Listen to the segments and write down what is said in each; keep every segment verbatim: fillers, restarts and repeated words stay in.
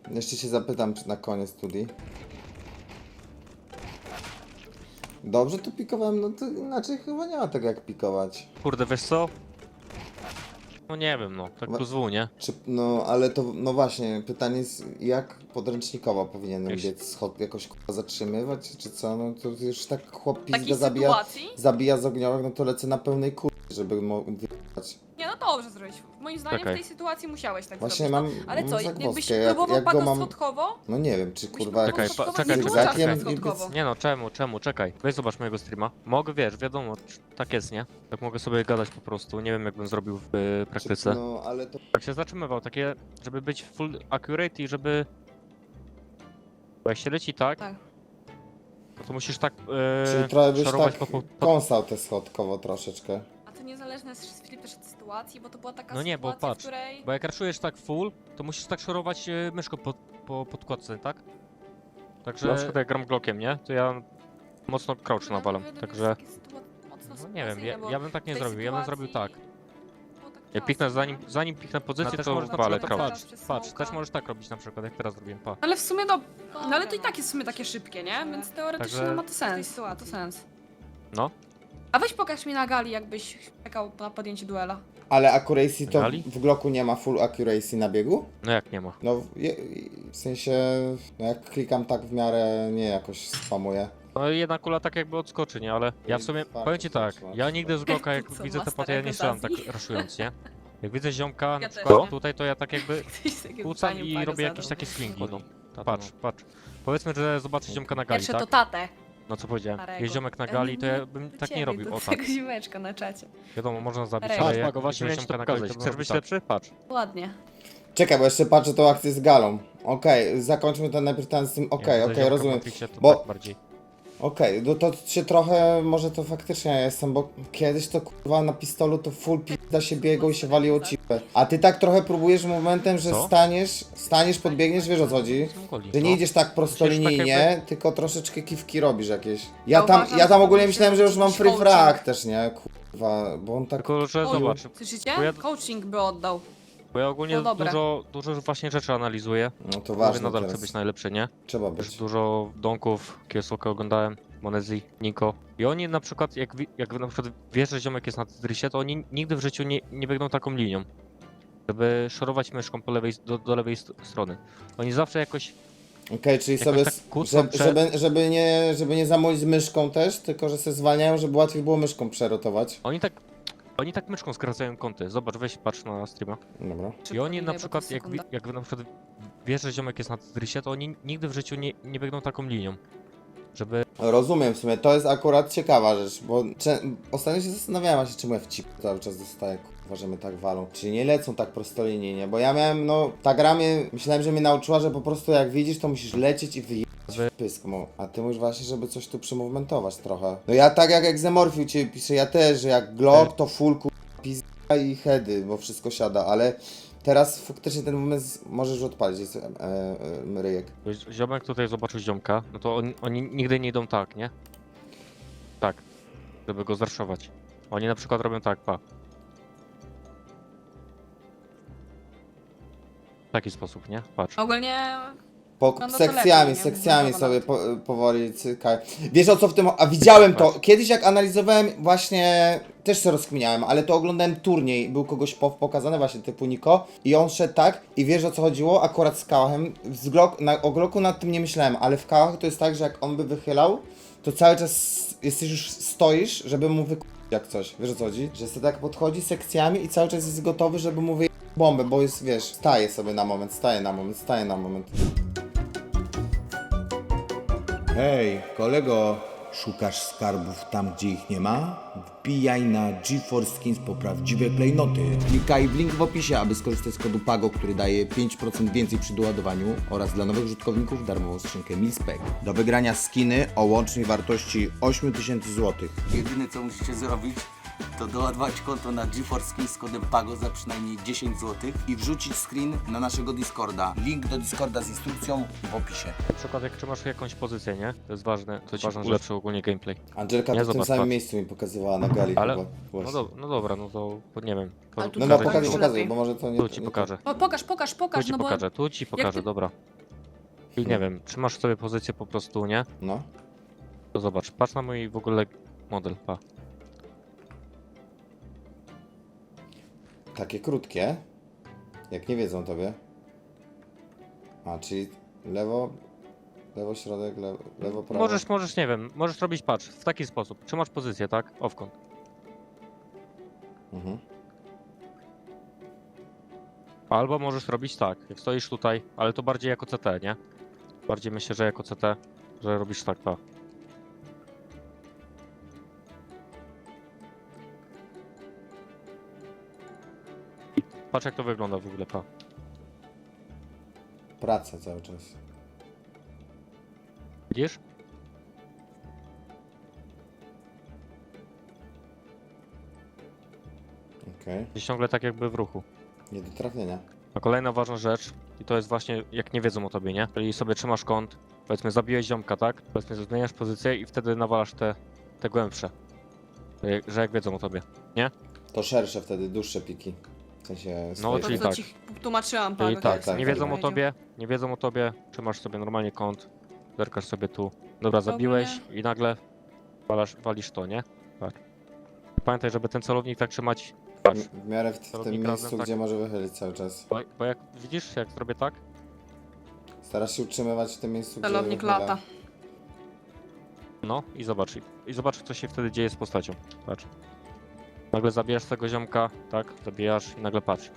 Jeszcze się zapytam czy na koniec studii. Dobrze tu pikowałem, no to inaczej chyba nie ma tego jak pikować. Kurde, wiesz co? No nie wiem, no, tak Wa- plus W, nie? Czy, no ale to, no właśnie, pytanie jest jak podręcznikowo powinienem Jak się- biec, schod, jakoś k***a zatrzymywać, czy co? No to już tak chłop W takiej pizdę zabija, sytuacji? zabija z ogniowych, no to lecę na pełnej kur... żeby mógł wyjechać. Nie, no dobrze zrobić. Moim zdaniem Czekaj. w tej sytuacji musiałeś tak Właśnie zrobić. mam, No, ale mam co, jakbyś zagwozdkę, jak, próbował jak go pago mam, schodkowo? no nie wiem, czy Byś kurwa... próbował Czekaj, schodkowo, pa- czekaj, nie czekaj, włączasz czekaj. tak schodkowo. Nie no, czemu, czemu, czekaj. Weź zobacz mojego streama. Mogę, wiesz, wiadomo, tak jest, nie? Tak mogę sobie gadać po prostu, nie wiem jak bym zrobił w y, praktyce. No ale to... Tak się zatrzymywał, takie, żeby być full accurate i żeby... Bo jak się leci tak, Tak. no to musisz tak Czyli e, trochę byś szorować tak po, po, po... kąsał te schodkowo troszeczkę. A to niezależne jest Filip też od sytuacji, bo to była taka No nie, bo sytuacja, patrz, w której... Bo jak raszujesz tak full, to musisz tak szorować e, myszką po, po podkładce, tak? Także... Na przykład jak gram Glockiem, nie? To ja mocno crouch No, nawalam, to jest także... takie sytua- mocno No nie wiem, sytuacyjne, ja, bo ja bym tak w nie tej zrobił, ja bym zrobił tak. sytuacji było tak Ja ciasno, piknę zanim, nie? zanim piknę pozycję, No, też to możesz na walę przykład crouch. teraz przez Patrz, smoka. też możesz tak robić na przykład, jak teraz zrobiłem, pa. Ale w sumie no, no ale to i Dobra, tak jest w sumie takie szybkie, nie? Więc teoretycznie Także- no, ma to sens. Ma to sens. No. A weź pokaż mi na gali, jakbyś czekał na podjęcie duela. Ale accuracy to Gali? w Glocku nie ma full accuracy na biegu? No jak nie ma. No w, je, w sensie, no jak klikam tak w miarę, nie jakoś spamuję. No i jedna kula tak jakby odskoczy, nie? Ale ja w sumie, Fakt, powiem ci tak, fakt, ja fakt. nigdy z Glocka jak Co, widzę te master paty, ja nie strzelam tak Egozazji? raszując, nie? Jak widzę ziomka na Ja też przykład nie. tutaj, to ja tak jakby Ktoś takie kłócam pytanie i Pago robię zadał. jakieś takie swingi, no. Patrz, patrz. Powiedzmy, że zobaczę ziomka na gali, Pierwsze tak? to tatę. No co powiedziałem, Starego. jest ziomek na E, gali, to ja do bym tak nie ciebie, robił, do o tak. tego zimeczka na czacie. Wiadomo, można zabić, Starego. ale Patrz, jak Pago, właśnie widzę miałem ci to ziomka na gali, pokazać, to to chcesz zrobię być tak. lepszy? Patrz. Ładnie. Czekaj, bo jeszcze patrzę tą akcję z galą. Okej, zakończmy ten najpierw ten z tym, okej, Jak widzę okej, ziomka w rozumiem. Matrixie, to Bo- tak bardziej. Okej, no to się trochę, może to faktycznie ja jestem, bo kiedyś to kurwa na pistolu to full pizda się biegło i się waliło cipę. A ty tak trochę próbujesz momentem, że Co? staniesz, staniesz, podbiegniesz, wiesz o co chodzi? Goli, Że no. nie idziesz tak prostolinijnie, tak tylko troszeczkę kiwki robisz jakieś. Ja Ja tam, uważam, ja tam że ogólnie to myślałem, że już mam jakiś free coaching. frag też, nie? Kurwa, bo on tak... Tylko, że Oj, zobacz, Słyszycie? Bo ja- Coaching by oddał. bo ja ogólnie No dobra. dużo, dużo właśnie rzeczy analizuję. No to Mówię, ważne nadal teraz. chcę być najlepszy, nie? Trzeba Też być. dużo donków, Kiesuka oglądałem, Monezji, Niko. I oni na przykład, jak, wi- jak na przykład wiesz, że ziomek jest na Tetrisie, to oni nigdy w życiu nie, nie biegną taką linią. Żeby szorować myszką po lewej, do, do lewej st- strony. Oni zawsze jakoś, Okej, czyli Jakoś sobie, tak s- kłócą żeby, przed- żeby, żeby, nie, żeby nie zamówić z myszką też, tylko że se zwalniają, żeby łatwiej było myszką przerotować. oni tak, oni tak myszką skracają kąty. Zobacz, weź patrz na streama. Dobra. I oni na Szybko przykład, minęło, jak, bo wi- to sekunda. jak na przykład wiesz, że ziomek jest na Tetrisie, to oni nigdy w życiu nie, nie biegną taką linią. Żeby Rozumiem w sumie, to jest akurat ciekawa rzecz, bo cze- ostatnio się zastanawiałem właśnie, czemu ja w cip cały czas dostaję, kurwa, że mnie tak walą. Czyli nie lecą tak prostolinijnie, bo ja miałem, no, ta gra mnie, myślałem, że mnie nauczyła, że po prostu jak widzisz, to musisz lecieć i wyjechać w pysk, mo. A ty mówisz właśnie, żeby coś tu przymomentować trochę. No ja tak jak Exemorphiu ciebie piszę, ja też, że jak Glock to full kurwa, pizda i heady, bo wszystko siada, ale teraz faktycznie ten moment z- możesz odpalić, jest e, e, ryjek. ziomek tutaj zobaczył ziomka, no to oni, oni nigdy nie idą tak, nie? Tak, żeby go zraszować. Oni na przykład robią tak, pa. W taki sposób, nie? Patrz. Ogólnie Po, No, no to sekcjami, lepiej, nie? sekcjami Zbudowana sobie to. po, powoli cykaj. Wiesz o co w tym... A widziałem to. Tak. Kiedyś jak analizowałem właśnie... Też się rozkminiałem, ale to oglądałem turniej. Był kogoś po, pokazany właśnie typu Niko. I on szedł tak. I wiesz o co chodziło? Akurat z kałachem. Z Glock, na, o Glocku nad tym nie myślałem. Ale w kałach to jest tak, że jak on by wychylał, to cały czas jesteś już stoisz, żeby mu wykupić jak coś. Wiesz o co chodzi? Że sobie tak podchodzi sekcjami i cały czas jest gotowy, żeby mu wyjechać bombę. Bo jest, wiesz, staje sobie na moment, staje na moment, staje na moment. Hej, kolego, szukasz skarbów tam, gdzie ich nie ma? Wbijaj na GeForce Skins po prawdziwe klejnoty. Klikaj w link w opisie, aby skorzystać z kodu PAGO, który daje pięć procent więcej przy doładowaniu oraz dla nowych użytkowników darmową skrzynkę Milspec. Do wygrania skiny o łącznej wartości osiem tysięcy złotych. Jedyne co musicie zrobić, to doładować konto na GeForce Skins z kodem PAGO za przynajmniej dziesięć złotych i wrzucić screen na naszego Discorda. Link do Discorda z instrukcją w opisie. Na przykład jak trzymasz jakąś pozycję, nie? To jest ważne, to ci ważne, że- ulepszy ogólnie gameplay. Angelka Nie, to w tym zobacz, samym patrz. miejscu mi pokazywała na gali Ale- chyba. No, Właśnie. do, no dobra, no to po- nie wiem. Po, Ale tu No no pokażę pokazuj, ci pokazuj, lepiej. bo może to nie... Tu ci nie pokażę. O, pokaż, pokaż, Tu pokaż, ci no bo pokażę, tu ci pokażę, ty- dobra. I nie wiem, trzymasz sobie pozycję po prostu, nie? No. To zobacz, patrz na mój w ogóle model, pa. Takie krótkie. Jak nie wiedzą tobie. A, czyli lewo, lewo, środek, lewo, lewo prawo. Możesz, możesz, nie wiem, możesz robić, patrz, w taki sposób. Trzymasz pozycję, tak? Owkąt. Mhm. Albo możesz robić tak, jak stoisz tutaj, ale to bardziej jako C T, nie? Bardziej myślę, że jako C T, że robisz tak, pa. I patrz jak to wygląda w ogóle, pa. Praca cały czas. Widzisz? Okej. Jesteś ciągle tak jakby w ruchu. Nie do trafienia. A kolejna ważna rzecz, i to jest właśnie jak nie wiedzą o tobie, nie? Czyli sobie trzymasz kąt, powiedzmy zabiłeś ziomka, tak? Powiedzmy zmieniasz pozycję i wtedy nawalasz te, te głębsze. Że jak- Że jak wiedzą o tobie. To szersze wtedy, dłuższe piki. W sensie No, strajk. To, czyli co tak. ci tłumaczyłam, Czyli Pago, tak, jak tak, nie tak, wiedzą tak. o tobie, nie wiedzą o tobie, trzymasz sobie normalnie kąt, zerkasz sobie tu. Dobra, zabiłeś i nagle walasz, walisz to, nie? Tak. Pamiętaj, żeby ten celownik tak trzymać. Patrz, W w miarę w, w tym Celownik miejscu, razem, tak. gdzie może wychylić cały czas. bo, bo jak widzisz, jak zrobię tak, Starasz się utrzymywać w tym miejscu, gdzie celownik wychyla. lata. no i zobacz, i- i zobacz co się wtedy dzieje z postacią. Patrz. Nagle zabijasz tego ziomka, tak? Zabijasz i nagle patrz.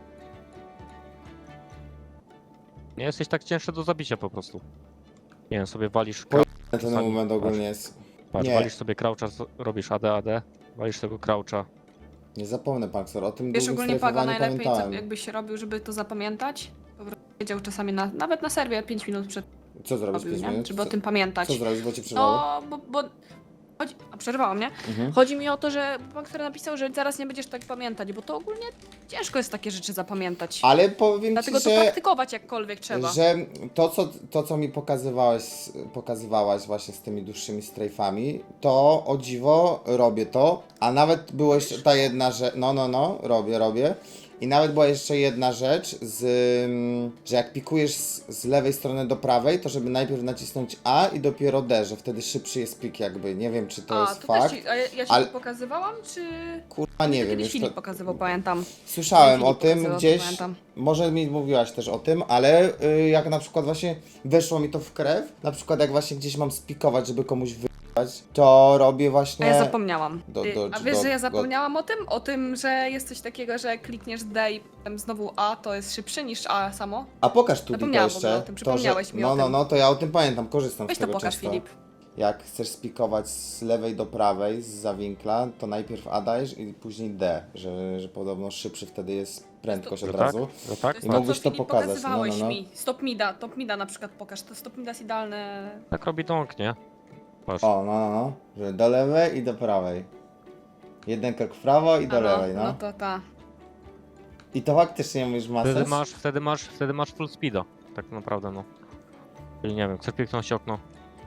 Nie jesteś tak cięższy do zabicia po prostu. Nie wiem, sobie walisz. Po- Krau- Ten czasami, moment patrz. ogólnie jest... Patrz, Nie. walisz sobie croucha, z- robisz A D A D, walisz tego croucha. Nie zapomnę, Paxor, o tym Wiesz, długim ogólnie Pago strajfowaniu najlepiej, co, pamiętałem. jakbyś robił, żeby to zapamiętać. Po prostu wiedział czasami na, nawet na serwie pięć minut przed Co zrobić robił, pięć nie? minut? Żeby o Co, tym pamiętać. co zrobić, bo cię przerwało? No, bo, bo chodzi, a przerwałam, nie? Mhm. Chodzi mi o to, że pan, który napisał, że zaraz nie będziesz tak pamiętać, bo to ogólnie ciężko jest takie rzeczy zapamiętać. Ale powiem Dlatego ci, to że... praktykować jakkolwiek trzeba. Że to co, to, co mi pokazywałeś, pokazywałaś właśnie z tymi dłuższymi strajfami, to o dziwo robię to, a nawet była jeszcze ta jedna rzecz, no, no, no, robię, robię. I nawet była jeszcze jedna rzecz, z, mm, że jak pikujesz z, z lewej strony do prawej, to żeby najpierw nacisnąć A i dopiero D, że wtedy szybszy jest pik jakby. Nie wiem, czy to a, jest to fakt. też ci, a ja, ja ci ale- to pokazywałam, czy... Kurwa, nie wiem, Kiedyś już Filip to... pokazywał, pamiętam. Słyszałem Filip o tym pokazywał, to gdzieś, pamiętam. może mi mówiłaś też o tym, ale y, jak na przykład właśnie weszło mi to w krew, na przykład jak właśnie gdzieś mam spikować, żeby komuś wyjechać, to robię A właśnie... ja zapomniałam. Do- Ty- do- a wiesz, do- że ja do- zapomniałam o tym? O tym, że jest coś takiego, że jak klikniesz D i potem znowu A, to jest szybszy niż A samo? A pokaż tu to Zapomniałam w ogóle jeszcze. o tym, to, przypomniałeś mi no, o no, tym. no, to ja o tym pamiętam, korzystam Weź z to tego pokaż, często. Filip. Jak chcesz spikować z lewej do prawej, z zawinkla, to najpierw A dajesz i później D, że, że podobno szybszy wtedy jest prędkość Że od tak? razu. Że tak? I To, co mógłbyś to Filip pokazać, pokazywałeś no, no, no. mi. Stop mida, top mida na przykład pokaż. To stop mida jest idealne. Tak robi dąg, nie? Patrz. O, no, no, no, że do lewej i do prawej. Jeden krok w prawo i do A no, lewej, no. no to ta. I to faktycznie mówisz ma Wtedy sens? masz, wtedy masz, wtedy masz full speeda. Tak naprawdę, no. Czyli nie wiem, chcesz piknąć okno.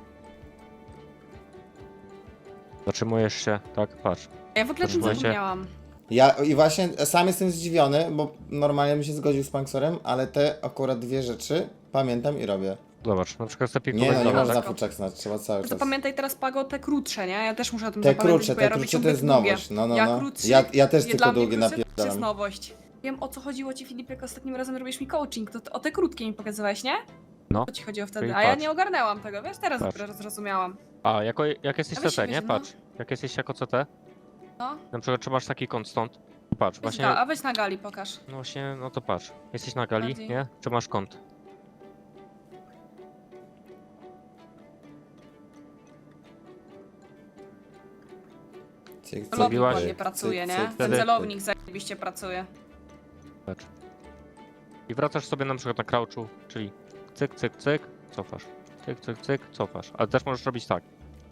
Zatrzymujesz się, tak, patrz. Ja w ogóle o tym Słuchajcie. zapomniałam. Ja i właśnie sam jestem zdziwiony, bo normalnie bym się zgodził z Panksorem, ale te akurat dwie rzeczy pamiętam i robię. Zobacz, na przykład chcę Nie piknąć no, nie dobra, można tak? fuczek znać, trzeba cały czas. Zapamiętaj teraz, Pago, te krótsze, nie? Ja też muszę o tym Te zapamiętać, krótsze, bo ja te robię krótsze to ciągle jest długie. nowość, no, no, ja no. Krótszy, Ja, ja też nie, tylko dla mnie długie krótsze też napierdalam. jest nowość. Wiem, o co chodziło ci, Filip, jak ostatnim razem robisz mi coaching, to, to o te krótkie mi pokazywałeś, nie? No. O ci chodziło wtedy, Czyli a ja patrz. nie ogarnęłam tego, wiesz? Teraz Patrz. dopiero zrozumiałam. A, jako, jak jesteś A weź C T, się nie? weź, no. Patrz. Jak jesteś jako C T, No. na przykład trzymasz taki kąt stąd. Patrz, Weź właśnie, ga- a weź na gali, pokaż. no właśnie, no to patrz. Jesteś na gali, Bardziej. nie? Trzymasz kąt. Cyk, cyk, Celownik Zrobiłaś? ładnie cyk, pracuje, cyk, nie? cyk, Ten Wtedy- celownik zajebiście pracuje. Patrz. I wracasz sobie na przykład na crouchu, czyli cyk, cyk, cyk, cofasz. Cyk, cyk, cyk, cofasz. Ale też możesz robić tak.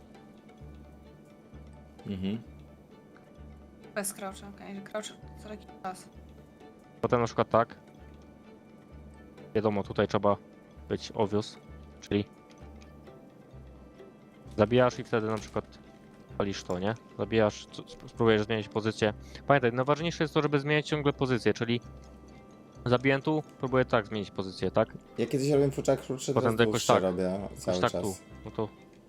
Mhm. Bez croucha, okej, że crouch co jakiś czas. Potem na przykład tak. Wiadomo, tutaj trzeba być obvious, czyli zabijasz i wtedy na przykład palisz to, nie? Zabijasz, c- sp- spróbujesz zmienić pozycję. Pamiętaj, najważniejsze jest to, żeby zmieniać ciągle pozycję, czyli Zabiłem tu, próbuję tak zmienić pozycję, tak? Ja kiedyś robiłem fuczak krótszy, Potem teraz jakoś dłuższe tak. robię cały Jakoś czas. tak tu. No to...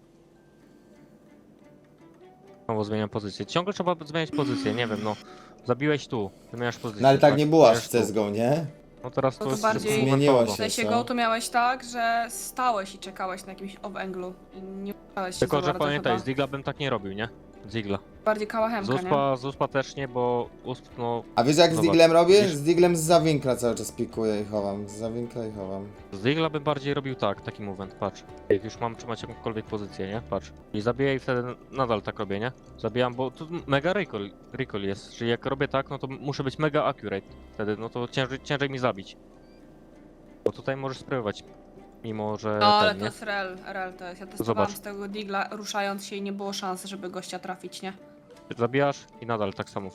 Znowu zmieniam pozycję. Ciągle trzeba zmieniać pozycję, nie wiem, no. Zabiłeś tu, zmieniasz pozycję. No ale tak nie było aż w zmieniasz tu. C S G O, nie? No teraz To to, to jest bardziej- wszystko Zmieniło momentowo. W sensie co? go to miałeś tak, że stałeś i czekałeś na jakimś off-anglu i nie udało się Tylko, za że bardzo pamiętaj, chyba. z Digla bym tak nie robił, nie? Z Digla. Bardziej Z kałachemka, nie? Uspa, z Uspa też nie, bo Usp, no... A wiesz jak z Zobacz, Diglem robię? widzisz? Z Diglem z zawinkla cały czas pikuję i chowam. Z zawinkla i chowam. Z Digla bym bardziej robił tak, taki movement, patrz. Jak już mam trzymać jakąkolwiek pozycję, nie? Patrz. I zabiję i wtedy nadal tak robię, nie? Zabijam, bo tu mega recoil, recoil jest, czyli jak robię tak, no to muszę być mega accurate. Wtedy, no to ciężej, ciężej mi zabić. Bo tutaj możesz spróbować, mimo że No ale ten, to nie? jest rel, rel to jest. Ja testowałam Zobacz. z tego digla ruszając się i nie było szans, żeby gościa trafić, nie? Zabijasz i nadal tak samo.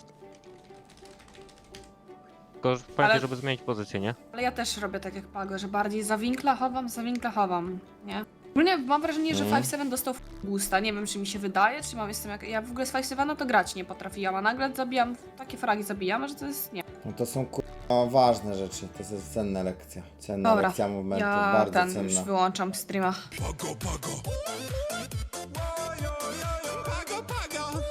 Tylko że pamiętaj, Ale- żeby zmienić pozycję, nie? Ale ja też robię tak jak Pago, że bardziej za winkla chowam, za winkla chowam, nie? Ogólnie mam wrażenie, że Mhm. pięć siedem dostał boosta. Nie wiem, czy mi się wydaje, czy mam jestem jak... Ja w ogóle z pięć siedem to grać nie potrafiłam, a nagle zabijam, takie fragi zabijam, że to jest... nie. No to są kurwa ważne rzeczy. To jest cenna lekcja. Cenna Dobra, lekcja movementu, ja bardzo ten cenna. już wyłączam streama. Pago, pago. Pago, pago.